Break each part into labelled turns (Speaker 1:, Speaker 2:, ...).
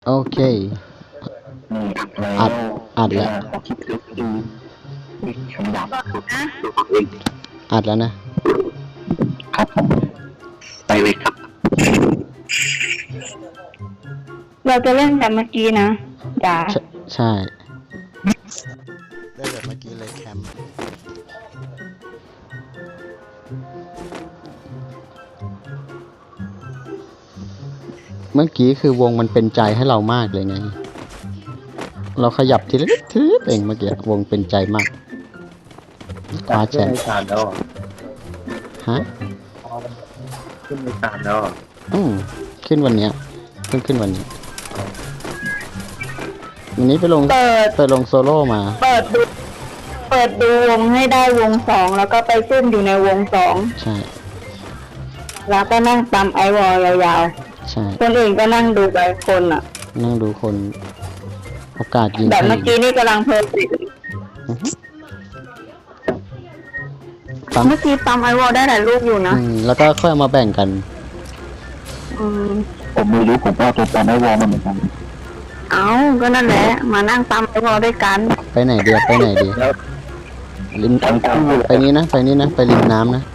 Speaker 1: โอเค
Speaker 2: อัด
Speaker 1: อัดแล้ว
Speaker 2: คำดับ
Speaker 1: อัดแล้วนะครับ
Speaker 2: ผมไปเลยครับ
Speaker 3: เราจะเล่นแบบเมื่อกี้นะจ้า
Speaker 1: ใช่ได้แบบเมื่อกี้เลยแคมป์เมื่อกี้คือวงมันเป็นใจให้เรามากเลยไงเราขยับทีละนิดเองเมื่อกี้วงเป็นใจมากคว้าแชมป์ฮะ
Speaker 2: ขึ้นในศาลแล้ว
Speaker 1: ขึ้นวันเนี้ยขึ้นวันนี้วันนี้ไปลงโซโล่มา
Speaker 3: เปิดดูวงให้ได้วงสองแล้วก็ไปซุ่มอยู่ในวงสอง
Speaker 1: ใช่
Speaker 3: แล้วก็นั่งตามไอวอลยาว
Speaker 1: ๆใช่
Speaker 3: คนอื่นก็นั่งดูไปคนอ่ะ
Speaker 1: นั่งดูคนโอกาสยิง
Speaker 3: แบบเมื่อกี้นี่กำลังเพลินเมื่อกี้ตามไอวอลได้หลายลูกอยู่นะ
Speaker 1: แล้วก็ค่อยเอามาแบ่งกัน
Speaker 2: ผมไม่รู้ผมก็ตัวตามไอวอลมาเหมือนกัน
Speaker 3: ก็นั่นแหละมานั่งตามไอวอลด้วยกัน
Speaker 1: ไปไหนเดียวริมไปนี้นะไปริมน้ำนะ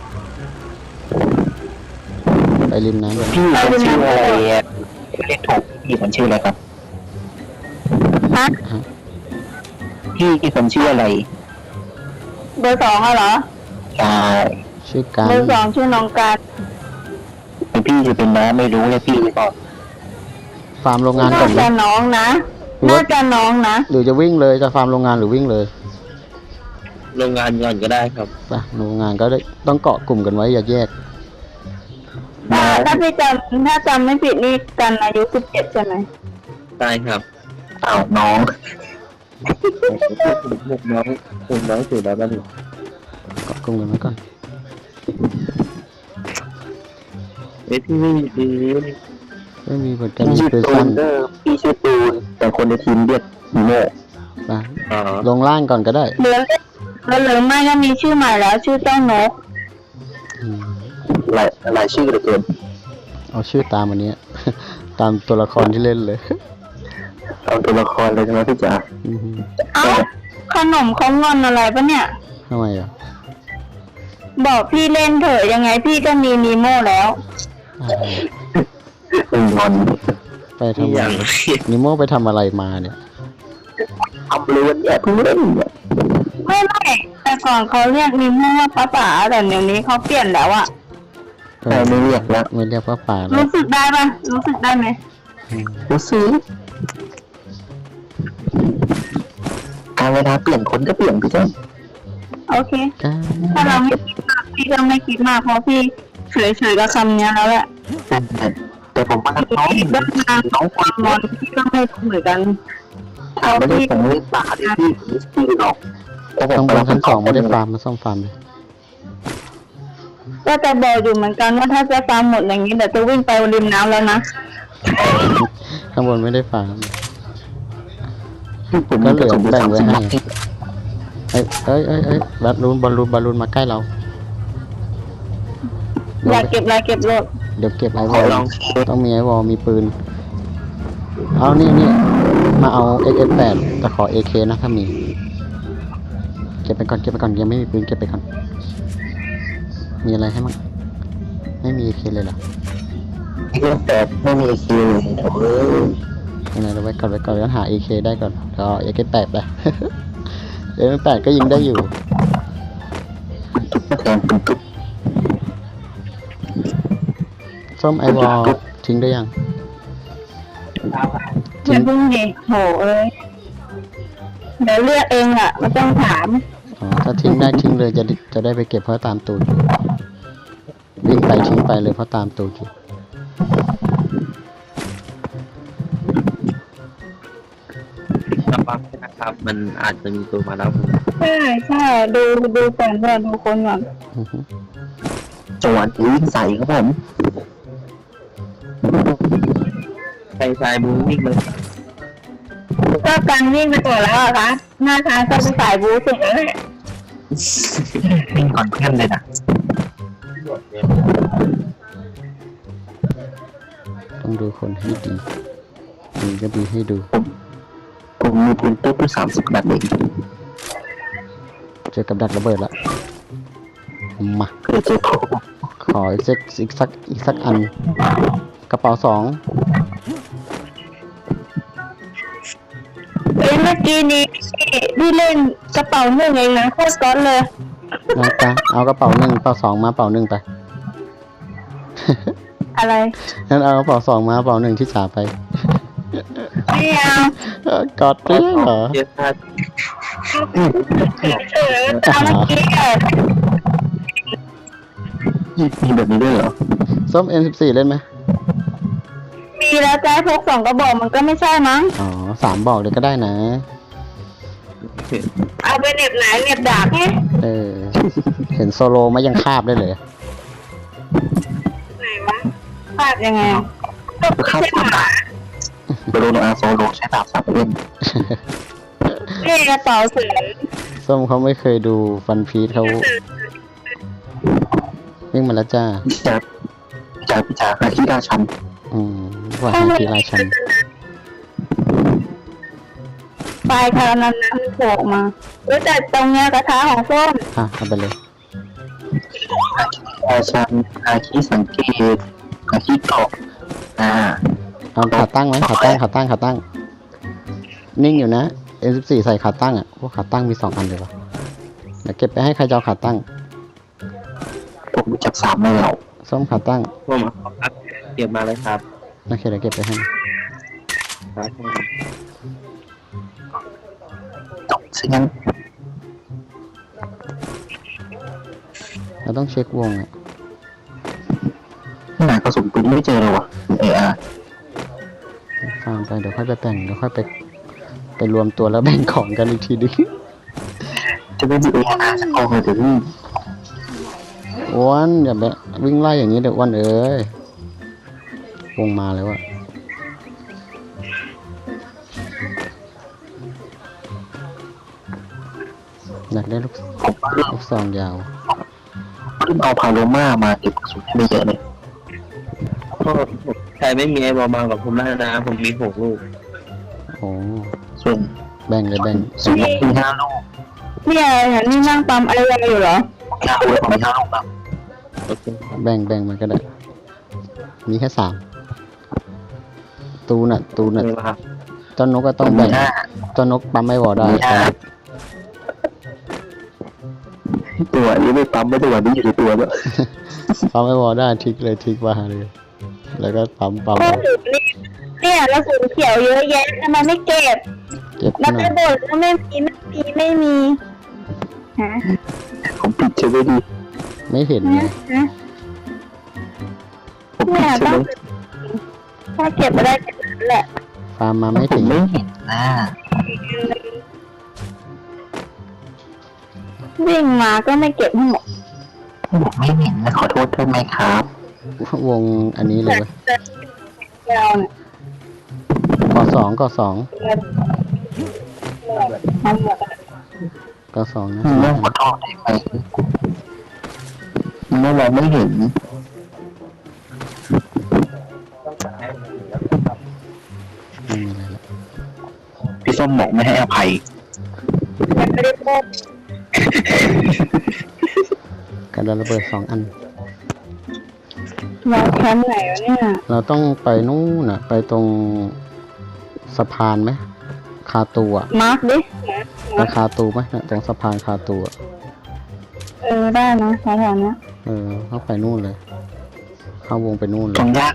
Speaker 1: ไปริมน้ำ
Speaker 2: พี่ชื่ออะไรเรียกถูกพี่คนชื่ออะไรครับพี่คนชื่ออะไร
Speaker 3: เบอร์สองเหรอ
Speaker 2: ใช่
Speaker 1: ชื่อการ
Speaker 3: เบอร์สองชื่อน้องการ
Speaker 2: พี่จะเป็นน้าไม่รู้เลยพี่ก็
Speaker 1: ฟาร์มโรงงานก่อน
Speaker 3: น่าจะน้องนะ
Speaker 1: หรือจะวิ่งเลยจะฟาร์มโรงงานหรือวิ่งเลย
Speaker 2: โรงงานก่อนก็ได้ครับ
Speaker 1: ป่ะโรงงานก็ได้ต้องเกาะกลุ่มกันไว้อย่าแยก
Speaker 3: ถ้าจำไม่ผิดนี่กันอายุ17ใช่ไหม
Speaker 2: ใช่ครับน้องน้องสุดแล้วบ้าง
Speaker 1: เกาะกลุ่มกันไว้ก่อน
Speaker 2: พี่ไม่
Speaker 1: มีเหมือนกันมีปืนสั้น
Speaker 2: พี่ชื่อตูนแต่คนในทีมเรียกฮีโม่
Speaker 1: ป่ะลงล่างก่อนก็ได้
Speaker 3: หรือไม่ก็มีชื่อใหม่แล้วชื่อเจ้านก
Speaker 2: หลายชื่อเหลือเกิน
Speaker 1: เอาชื่อตามอันนี้ตามตัวละครที่เล่นเลย
Speaker 2: ตามตัวละครเลยใช่ไหมพี่จ๋า
Speaker 3: ขนมเขางอนอะไรปะเนี่ย
Speaker 1: ทำไมอ่ะ
Speaker 3: บอกพี่เล่นเถอะยังไงพี่ก็มีนีโม่แล้ว
Speaker 2: งอน
Speaker 1: ไปทำอะไรนิโม่ไปทำอะไรมาเนี่ย
Speaker 2: ทำเลือนเนี่ยเพิ่งเล่นเนี่ย
Speaker 3: ไม่แต่ก่อนเขาเรียกนีโม่ว่าป้าป๋าแต่เดี๋ยวนี้เขาเปลี่ยนแล้วอ่ะ
Speaker 2: ไม่เรียกแล้ว
Speaker 1: ไม่เรียกป้าป๋า
Speaker 3: รู้สึกได้ปะรู้สึกได้ไหม
Speaker 2: รู้สึกการเวลาเปลี่ยนคนก็เปลี่ยนพี่จ้า
Speaker 3: โอเคถ้าเราไม่คิดมากพี่ก็ไม่คิดมากเพราะพี่เฉยๆกับคำนี้แล้วแหละ
Speaker 2: แต่ผมว่า
Speaker 3: น้องความงอนพี่ก็ไม่เหมือนกัน
Speaker 2: เขาพี่ผมเล่นป่าที่หรอก
Speaker 1: ต้องบนชั้น2ไม่ได้ฟาร์มมาซ่อมฟาร์มเลย
Speaker 3: ก็จะบอกอยู่เหมือนกันว่าถ้าจะฟาร์มหมดอย่างนี้เดี๋ยวจะวิ่งไปริมน้ำแล้วนะ
Speaker 1: ข้างบนไม่ได้ฟาร์มก็เหลือแบ่งไว้ให้บอลลูนมาใกล้เรา
Speaker 3: อยากเก็บอะไรเก็บรถ
Speaker 1: เดี๋ยวเก็บไอวอลต้องมีไอวอลมีปืนเอานี่มาเอา XS8 แต่ขอ AK นะถ้ามีเก็บไปก่อนยังไม่มีปืนเก็บไปก่อนมีอะไรให้มั้งไม่มี AK เลยเหรอ
Speaker 2: XS8 ไม่มี AK
Speaker 1: ยังไงเราไว้ก่อนแล้วหา AK ได้ก่อนก็ XS8 ไปXS8 ก็ยิงได้อยู่ส้มไอวอลทิ้งได้ยัง
Speaker 3: อย่าเพิ่งดิโหเดี๋ยวเลือกเองอ่ะไม่ต้องถาม
Speaker 1: ถ้าทิ้งได้ทิ้งเลยจะได้ไปเก็บเพราะตามตูดวิ่งไปทิ้งไปเลยเพราะตามตูด
Speaker 2: นะครับมันอาจจะมีตัวมาแล้ว
Speaker 3: ใช่ดูก่อนว่าดูคนก่อน
Speaker 2: จังหวะวิ่งใส่ครับผมใส่บูวิ่งเลย
Speaker 3: ก็การวิ่งไปก่อนแล้วอะคะหน้าทางก็ไปสายบูสุดเลย
Speaker 2: วิ่งก่อนเพื่อนเลยนะ
Speaker 1: ต้องดูคนให้ดีมีก็มีให้ดู
Speaker 2: ผมมีปืนตุ๊ก30 นัดเอง
Speaker 1: เจอกับดักระเบิดละมา
Speaker 2: เกิดเจอผม
Speaker 1: ขออีกสักอัน กระเป๋า2
Speaker 3: เอ้ยเมื่อกี้นี้พี่เล่นกระเป๋าหนึ่งเองนะโคตรก๊อตเลย
Speaker 1: นะจ๊ะเอากระเป๋า1กระเป๋า2มาเป๋า1ไป
Speaker 3: อะไร
Speaker 1: งั้นเอากระเป๋า2มาเป๋า1ที่จ่าไป
Speaker 3: ไม่เอา
Speaker 1: กอดด้วยเหรอ
Speaker 2: เจอพลาด
Speaker 3: ตามเมื่อกี้อะ
Speaker 2: มีแบบนี้ด้วยเหรอ
Speaker 1: ส้ม M14 เล่นไหม
Speaker 3: มีแล้วจ้าพก2กระบอกมันก็ไม่ใช่มั้ง
Speaker 1: อ๋อ3บอกเลยก็ได้นะ
Speaker 3: เอาไปเหน็บไหนเหน็บดาบไง
Speaker 1: เห็นโซโลมายังคาบได้เลย
Speaker 3: ไหนวะพลาดยังไงอ่ะ
Speaker 2: ข้าวคนตายโดโนอาโซโลใช้ดาบสับเล่น
Speaker 3: นี่กระเป๋าเสือ
Speaker 1: ส้มเขาไม่เคยดูฟันพีทเขาวิ่งมาแล้วจ้า
Speaker 2: พี่จ๋าอาคิราชัน
Speaker 1: ว่าให้ทีราชัน
Speaker 3: ปลายคารานั้นนะมันโผล่ออกมาแล้วแต่ตรงเนี้ยกระทะของส้ม
Speaker 1: เอาไปเลย
Speaker 2: ราชันอาคิสังเกตอาคิเกาะ
Speaker 1: เอาขาตั้งไหมขาตั้ง นิ่งอยู่นะ M14 ใส่ขาตั้งอ่ะพวกขาตั้งมี2 อันเลยวะเดี๋ยวเก็บไปให้ใครจะเอาขาตั้ง
Speaker 2: ผมรู้จัก3แล้ว
Speaker 1: ส้มขาตั้ง
Speaker 2: ผมเก็บมาเลยครับ
Speaker 1: โอเคเดี๋ยวเก็บไปให้
Speaker 2: ตกซะงั้น
Speaker 1: เราต้องเช็ควงอ่ะ
Speaker 2: หากระสุนปืนไม่เจอเลยวะ
Speaker 1: ฟาร์มไปเดี๋ยวค่อยไปแต่งเดี๋ยวค่อยไปรวมตัวแล้วแบ่งของกันอีกทีนึง
Speaker 2: จะไม่มีสักกองเลยเดี๋ยวนี้
Speaker 1: อ้วนอย่าไปวิ่งไล่อย่างนี้เดี๋ยวอ้วนเอ้ยวงมาแล้วอะอยากได้ลูกซองยาว
Speaker 2: เพิ่งเอาพาโลมามาเก็บกระสุนไม่เยอะเลย
Speaker 4: ใครไม่มีไอ้บอลมากับผมได้นะผมมี6 ลูก
Speaker 1: โอ้
Speaker 2: ส่วน
Speaker 1: แบ่งเลยแบ่ง
Speaker 2: ส่วนมี5 ลูก
Speaker 3: เนี่ยอย่างนี้นั่งปั๊มอะไรกันอยู่เหรอ
Speaker 2: 5 ลูกผมมี5 ลูกครับ
Speaker 4: โอเค
Speaker 1: แบ่งมันก็ได้ มีแค่3ตูน่ะ
Speaker 4: ไม่ว่า
Speaker 1: เจ้านกก็ต้องแบ่งเจ้านกปั๊มไม่วอได้
Speaker 2: ตัวนี้ไม่ปั๊มไม่ตัวนี้อยู่ในตัวแล้ว
Speaker 1: ปั๊มไม่วอได้ทิกเลยทิกมาเลย แล้วก็ปั๊ม
Speaker 3: โอ้โหเนี่ยกระสุนเขียวเยอะแยะทำไมไม่เก็บ
Speaker 1: เก็บ
Speaker 3: แล้ว
Speaker 1: หน่
Speaker 3: ไป
Speaker 1: อย
Speaker 3: บ่นว่าไม่มีฮะ
Speaker 2: ผมปิดใช่ไหมดี
Speaker 1: ไม่เห็นไง
Speaker 3: ฮะ
Speaker 2: ผมปิดใช่ไหม
Speaker 3: ถ้าเก็บไม่ได้เก็บนั่นแหละ
Speaker 1: ฟาร์มมาไม่
Speaker 2: ผ
Speaker 1: ถึ
Speaker 2: ม
Speaker 1: ง
Speaker 2: ไม่เห็นนะ
Speaker 3: วิ่งมาก็ไม่เก็บให้หมด
Speaker 2: ผมไม่เห็นนะขอโทษด้วยไหมครับ
Speaker 1: วงอันนี้เลยเว้ย
Speaker 3: เราเนี่ย
Speaker 1: ก่อ2นะ
Speaker 2: เรื่องขอโทษได้ไหมเมื่อเราไม่เห็น
Speaker 1: ไม่มีอะไรละ
Speaker 2: พี่ส้มบอกไม่ให้อภัย
Speaker 3: มันไม่ได้พูด
Speaker 1: กระดาษระเบิด2 อัน
Speaker 3: เราแคมป์ไหนวะเนี่ย
Speaker 1: เราต้องไปนู่นน่ะ ไปตรงสะพานไหมคาตูอ่ะ
Speaker 3: มาร์คดิ
Speaker 1: ไปคาตูไหมน่ะตรงสะพานคาตูอ่ะ
Speaker 3: ได้นะแถวๆนี้
Speaker 1: เข้าไปนู่นเลย เข้าวงไปนู่นเล
Speaker 2: ก
Speaker 1: ย
Speaker 2: องยาก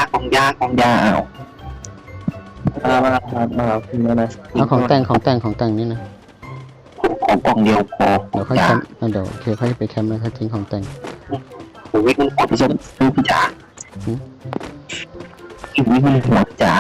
Speaker 2: เอา
Speaker 4: มาคุณแล้วนะ
Speaker 1: เอาของแต่งนี่นะ
Speaker 2: ของกล่องเดียวพอ
Speaker 1: เดี๋ยวค่อยแคมป์เดี๋ยวโอเคค่อยไปแคมป์แล้วค่อยทิ้งของแต่ง
Speaker 2: ผมวิ่งมันหัวพี่ส้มพี่จ๋าวิ่งมันหัวพี่จ๋า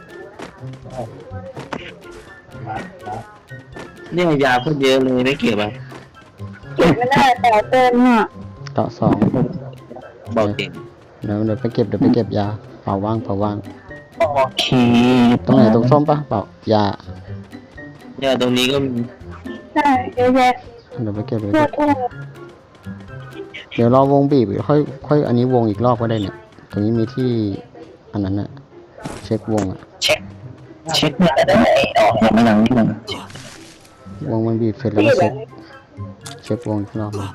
Speaker 4: เนี่ยยาเพิ่มเยอะเลยไม่เก็บอ่ะ
Speaker 3: เก็บไม่ได้แต่เต็มอ่ะ
Speaker 1: เกาะ2
Speaker 4: บอกเก่ง
Speaker 1: เดี๋ยวไปเก็บยาเป่าว่าง
Speaker 2: โอเค
Speaker 1: ตรงไหนตรงส้มปะเป่ายา
Speaker 4: เนี่ยตรงนี้ก็มี
Speaker 3: ใช่เยอะแยะ
Speaker 1: เดี๋ยวไปเก็บ
Speaker 3: ทั่วทั่ว
Speaker 1: เดี๋ยวรอวงบีบค่อยอันนี้วงอีกรอบก็ได้เนี่ยตรงนี้มีที่อันนั้นน่ะเช็ควงอ่ะ
Speaker 2: เช็คเช็คเนี่ยได้ออกยังไม่ยังนี่มัน
Speaker 1: วงมันบีบเสร็จแล้วก็เช็ควงอีกรอบหนึ่ง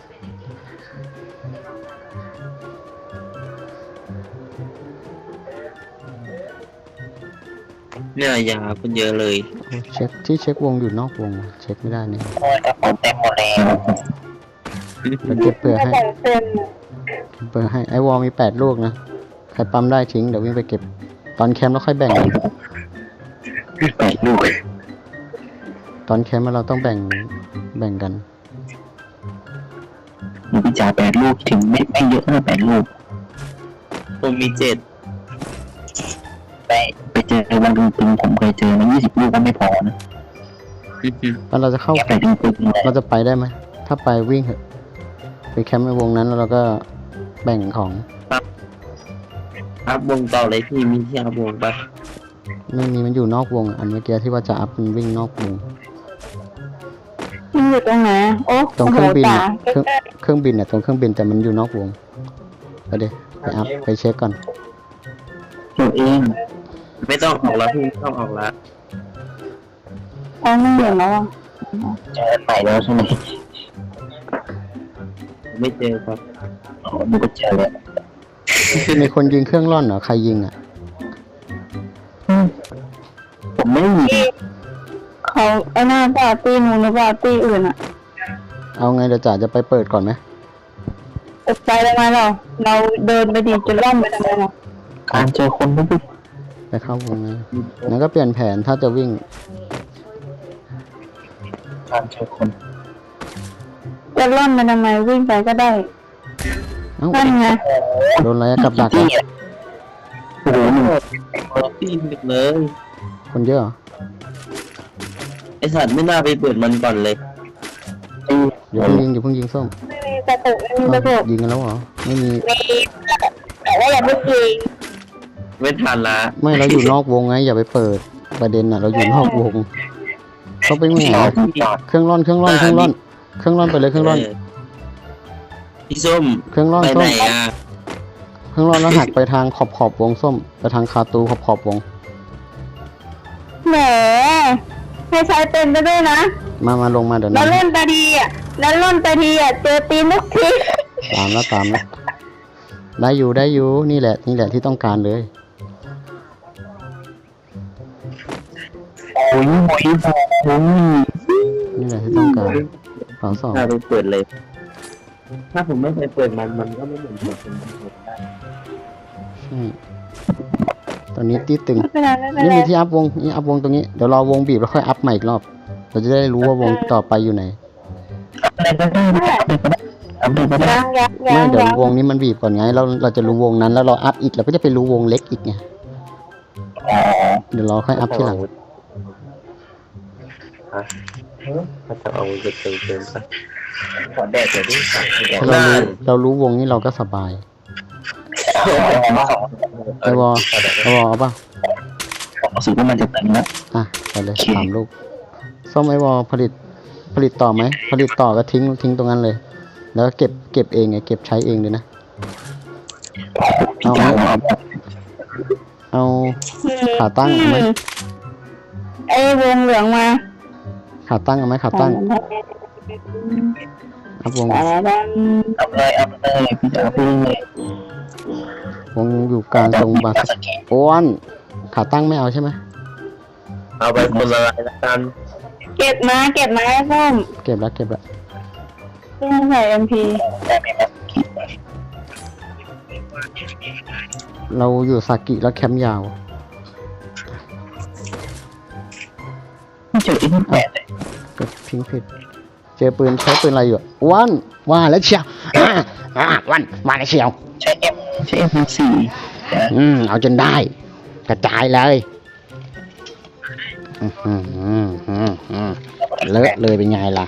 Speaker 4: เนี่ยยาคนเยอะเลย
Speaker 1: เช็คที่เช็ควงอยู่นอกวงเช็คไม่ได้เนี่ย
Speaker 2: โอ้ยกระเป๋าเต็มหมดแล้ว
Speaker 1: เราเก็บเปลือกให้
Speaker 3: แต่เต็ม
Speaker 1: เปลือกให้ไอวอลมี8 ลูกนะใครปั๊มได้ทิ้งเดี๋ยววิ่งไปเก็บตอนแคมป์แล้วค่อยแบ่งกัน
Speaker 2: 8 ลูก
Speaker 1: ตอนแคมป์เราต้องแบ่งกัน
Speaker 2: หนูพี่จ่า8 ลูกถึงไม่เยอะนะ8 ลูก
Speaker 4: ผมมี7
Speaker 2: ไปเจอวันตึงผมเคยเจอมา20 ลูกก็ไม่พอนะ
Speaker 1: แล้วเราจะเข้า
Speaker 2: แค่ไปตึงเลย
Speaker 1: เราจะไปได้ไหมถ้าไปวิ่งเถอะไปแคมป์ในวงนั้นแล้วเราก็แบ่งของ
Speaker 4: อัพวงต่อเลยพี่มีที่อัพวงปะ
Speaker 1: ไม่มีมันอยู่นอกวงอันเมื่อกี้ที่ว่าจะอัพมันวิ่งนอกวง
Speaker 3: มันอยู่ตรงไหนโอ้
Speaker 1: ตรงเครื่องบิน
Speaker 3: โโห
Speaker 1: อะ
Speaker 3: ตา
Speaker 1: เครื่องบินเนี่ยตรงเครื่องบินแต่มันอยู่นอกวงไปเดี๋ยวไปอัพไปเช็คก่อน
Speaker 2: ตัวเอง
Speaker 4: ไม่ต้องออกแล้วพี่ไม่ต้องออกแล้ว
Speaker 3: อ๋อไม่เห็นแล้วอ่ะ
Speaker 2: เจอใหม่แล้วใช่ไหม
Speaker 4: ไม่เจอครับ
Speaker 2: อ๋อหนูก็เจอแล้ว
Speaker 1: มีคนยิงเครื่องร่อนเหรอใครยิงอ่ะ
Speaker 2: ผมไม่มี
Speaker 3: เขาไอ้หน้าปาร์ตี้นู้นหรือปาร์ตี้อื่นอ่ะ
Speaker 1: เอาไงเดี๋ยวจ๋าจะไปเปิดก่อนไหม
Speaker 3: ไปได้ไหมเราเดินไปดีจะล่อมไปทำไมเรา
Speaker 2: การเจอคนไม่ได้
Speaker 1: ไปเข้าวงไงงั้นก็เปลี่ยนแผนถ้าจะวิ่ง
Speaker 2: การเจอคน
Speaker 3: จะล่อมไปทำไมวิ่งไปก็ได้
Speaker 1: เอ้า
Speaker 3: นั่นไง
Speaker 1: โดนอะไรอะกับดัก
Speaker 2: ที่
Speaker 1: อะ
Speaker 2: โอ้โหหนู
Speaker 4: พี่ดึกเลย
Speaker 1: คนเยอะเหรอ
Speaker 4: ไอสัตว์ไม่น่าไปเปิดมันก่อนเลย
Speaker 1: อย่าเพิ่งยิงส้ม
Speaker 3: ไม่มีกระตุกไม่มีกระตุ
Speaker 1: อ้าก วยิงกันแล้วเหรอไม่มี
Speaker 3: มีแต่ว่าอย่าเพิ่งยิง
Speaker 4: ไม่ทันละ
Speaker 1: ไม่เราอยู่นอกวงไงอย่าไปเปิดประเด็นอ่ะเราอยู่นอกวงเขาไปไหน
Speaker 2: จอ
Speaker 1: อะ
Speaker 2: ดจอด
Speaker 1: เครื่องร่อนไปเลยเครื่องร่อน
Speaker 4: พี่ส้ม
Speaker 1: เครื่องร่อน
Speaker 4: ไป
Speaker 1: ส้
Speaker 4: ไหน
Speaker 1: ม
Speaker 4: อ่ะ
Speaker 1: เครื่องร่อนแล้วหักไปทางขอบวงส้มไปทางคาตูขอบวง
Speaker 3: แหมให้ใช้เป็นไปด้วยนะ
Speaker 1: มาลงมาเดี๋ยว
Speaker 3: แล้ว
Speaker 1: นะ
Speaker 3: เล่นตาดีอ่ะแล้วเล่นตาดีอ่ะเจอตีนทุกที
Speaker 1: ตามแล้วได้อยู่นี่แหละที่ต้องการเลย
Speaker 2: โอ้ยโอ้ยโอ้ย
Speaker 1: นี่แหละที่ต้องการเสาสอง
Speaker 4: น่าไปเปิดเลย ถ้าผมไม่เคยเปิดมันก็ไม่เหมือนผมได้
Speaker 1: ใช่ตอนนี้ตีตึง
Speaker 3: ไม่เป็นไรไม่เป็น
Speaker 1: นี่
Speaker 3: ไร
Speaker 1: มีที่อัพวงนี่อัพวงตรงนี้เดี๋ยวรอวงบีบแล้วค่อยอัพใหม่อีกรอบเราจะได้รู้ว่าวงต่อไปอยู่ไหน
Speaker 2: อะไรก็ได้อะไรก็ได้
Speaker 3: ยัง
Speaker 1: ไม่เดี๋ยววงนี้มันบีบก่อนไงเราจะรู้วงนั้นแล้วเราอัพอีกเราก็จะไปรู้วงเล็กอีกไง
Speaker 2: อ๋อ
Speaker 1: เดี๋ยวเราค่อยอัพทีหลัง
Speaker 4: ถ้าจะเอาจะเติมซะ
Speaker 2: ขอแดดเดี๋ยวดิ
Speaker 1: ถ้าเรารู้วงนี้เราก็สบายไอวอเอาป่ะ
Speaker 2: รู้สึกว่ามันจะเต็มแล้ว
Speaker 1: อ่ะไปเลย3 ลูกส้มไอวอผลิตต่อไหมผลิตต่อก็ทิ้งตรงนั้นเลย แล้วก็เก็บเองไงเก็บใช้เองเลยนะ
Speaker 2: พี่จ๋าเอา
Speaker 1: เอาขาตั้งเอาไหม
Speaker 3: ไอ้วงเหลืองมา
Speaker 1: ขาตั้งเอาไหมขาตั้งอัพวง
Speaker 3: แต่ละดัน
Speaker 2: เอาเลยพี่จ๋าพูดเลยว
Speaker 1: งอยู่กลางตรงบาสอ้วนขาตั้งไม่เอาใช่ไหม
Speaker 4: เอาไปคนละลายละกัน
Speaker 3: เก็บมาไอ้ส้ม
Speaker 1: เก็บแล้ว
Speaker 3: ที่ใส่ MP
Speaker 2: ได้ไหมครับ
Speaker 1: เราอยู่ซากิแล้วแคมป์ยาว
Speaker 2: ไม่เจออีกแปดเลย
Speaker 1: ก็ทิ้งผิดเจอปืนใช้ปืนอะไรอยู่อ้วนว่าแล้วเชียววันมาแล้วเชียว
Speaker 2: ใช้ M4
Speaker 1: เอาจนได้ กระจายเลยเลอะเลยเป็นไงล่ะ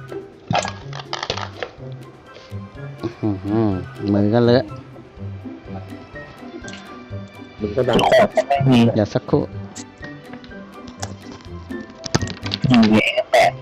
Speaker 1: มือก็เลอะ
Speaker 4: มันก็ดัง
Speaker 2: ขอบไม่มี
Speaker 1: เดี๋ยวสักครู่
Speaker 2: ยิงเลยแปด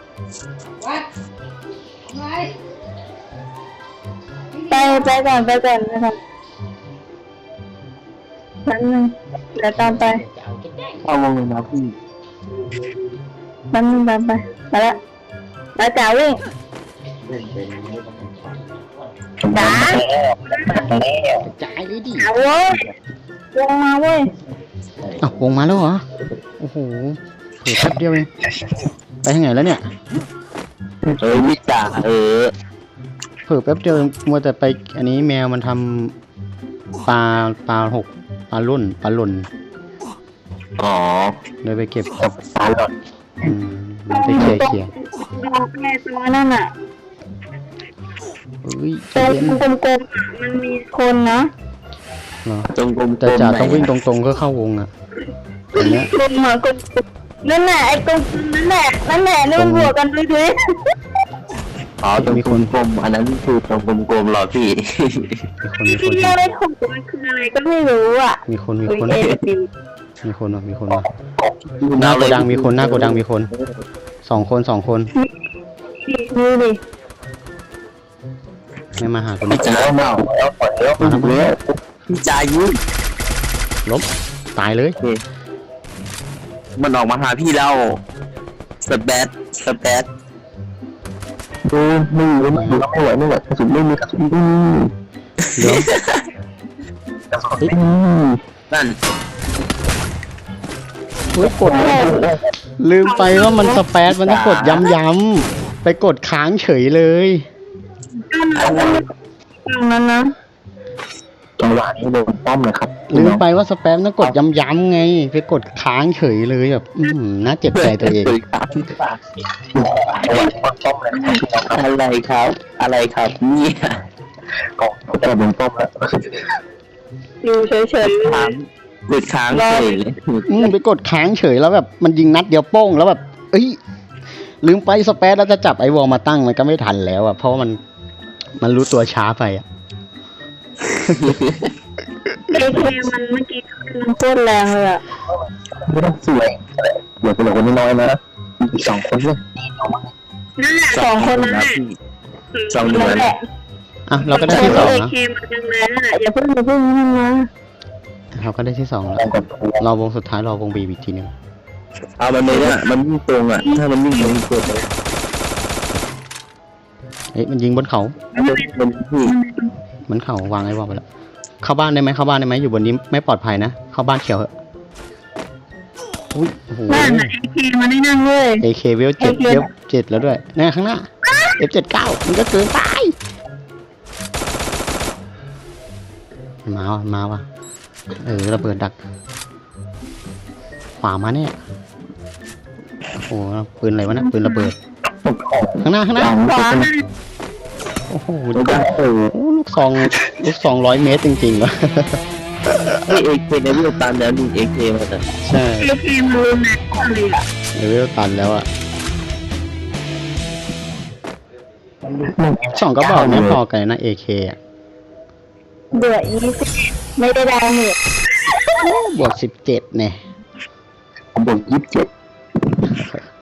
Speaker 3: ไปก่อนนะครับแป๊บนึงเดี๋ยวตามไป
Speaker 1: โ
Speaker 2: เอาวงเลยนะพี่
Speaker 3: มันไปแล้วแล้วจ๋าวิ่ง
Speaker 4: เล่นเป็นไม่ต้องเป็นฝัน
Speaker 3: จ๋าก
Speaker 1: ระจายเลยดิ
Speaker 3: จ๋าเว้ยลงมาเว้ย
Speaker 1: อ้าววงมาแล้วเหรอโอ้โหเผื่อแป๊บเดียวเองไปทางไหนแล้วเนี่ย
Speaker 2: มิจ่า
Speaker 1: เผื่อแป๊บเดียวมัวแต่ไปอันนี้แมวมันทำปลาหกปลาล่น
Speaker 2: อ๋อ
Speaker 1: เลยไปเก็บ
Speaker 2: กับปลาหลอด
Speaker 1: ไปเคลียร์
Speaker 3: แม่ตัวนั่นน่ะ
Speaker 1: เฮ้ยใจ
Speaker 3: ตัว
Speaker 1: เย็น
Speaker 3: กลมๆอะมันมีคนนะ
Speaker 1: เหรอ
Speaker 2: ตรงกลม
Speaker 1: แต่จ่าต้องวิ่งตรงๆก็เข้าวงอ่ะอย่างเงี้ย
Speaker 3: กลมเหรอกลมนั่นแหละไอ้กลมนั่นแหละนี่มันบวกกันด้วย
Speaker 2: อ๋อตรงกลมๆอันนั้นคือตรงกลมๆหรอพี่
Speaker 1: มีคน
Speaker 3: ที่เรียกได้ถูกมันคืออะไรก็ไม่รู้อ่ะ
Speaker 1: มีคน
Speaker 3: เอฟซี
Speaker 1: มีคนว่ะหน้าโกดังมีคนสองคน
Speaker 3: นี่ดิ
Speaker 1: ไม่มาหาคน
Speaker 2: พี่จ่าเอาแล้วปล่อยแล้วพี่จ่ายุ่ง
Speaker 1: ล้มตายเลย
Speaker 2: มันออกมาหาพี่เราสแปดดูไม่ไหวกระสุนไม่มีกระสุน
Speaker 1: เดี๋ยว
Speaker 2: นั่น
Speaker 1: เฮ้ยกดลืมไปว่ามันสเปซมันต้องกดย้ำๆไปกดค้างเฉยเลย
Speaker 3: ตรงนั้นนะ
Speaker 2: จังหวะนี้โดนป้อมเลยครับ
Speaker 1: ลืมไปว่าสเปซต้องกดย้ำๆไงไปกดค้างเฉยเลยแบบน่าเจ็บใจตัวเอง
Speaker 2: อะไรครับเนี่ยก็จะโดนป้อมแล้ว
Speaker 3: อยู่เฉย
Speaker 2: ค้างกดค้างเฉยเลย
Speaker 1: ไปกดค้างเฉยแล้วแบบมันยิงนัดเดียวโป้งแล้วแบบเอ้ยลืมไปสเปซแล้วจะจับไอวอลมาตั้งมันก็ไม่ทันแล้วอ่ะเพราะว่ามันรู้ตัวช้าไปอ่ะ
Speaker 3: ๆเอเคมันเมื่อกี้มันโคตรแรงเลยอ่ะ
Speaker 2: ไม่ต้องสวยเหลือคนน้อยนะอีก2 คนเลย
Speaker 3: นั่นแหละสองคนนั้นแหละ
Speaker 2: สองเดือน
Speaker 3: แหละ
Speaker 1: อ่ะเราก็ได้ที่สอง
Speaker 3: เอ
Speaker 1: นะ
Speaker 3: เคมันยังไงนั่นแหละอย่าเพิ่งนั่นนะ
Speaker 1: เราก็ได้ที่สองแล้วรอวงสุดท้ายรอวงบีอีกทีนึง
Speaker 2: เอามันเลยนะมันวิ่งตรงอ่ะถ้ามันวิ่งตรงกดเลย
Speaker 1: เอ๊ะมันยิงบนเขา
Speaker 2: มันพี่
Speaker 1: บนเขาวางไอ้วอลไปแล้วเข้าบ้านได้ไหมอยู่บนนี้ไม่ปลอดภัยนะเข้าบ้านเขียวเหอะอุ้ยโอ้โห
Speaker 3: นั่นน่ะเอเคมันได้นั่งเลย
Speaker 1: AK เวล7แล้วด้วยนี่ข้างหน้า F79 มันก็เกินไปมาว่ะระเบิดดักขวามาเนี่ยโอ้โหปืนอะไรวะนะปืนระเบิดข้างหน้า
Speaker 3: ขวา
Speaker 1: โอ้โหลูกซอง100 เมตรจริงๆวะ
Speaker 2: นี่เอเคในวิวตันแล้วนี่เอเคมาแต่
Speaker 1: ใช่
Speaker 3: เอเคมันรุนแรงเลยอ่ะ
Speaker 1: เลเวลตันแล้วอ่ะ2 ก็บอกไม่พอกันนะ AK อ่ะ
Speaker 3: เดือด20ไม่ได้แรงเนี่ย
Speaker 1: บวก17เนี่ย
Speaker 2: ผมบอก27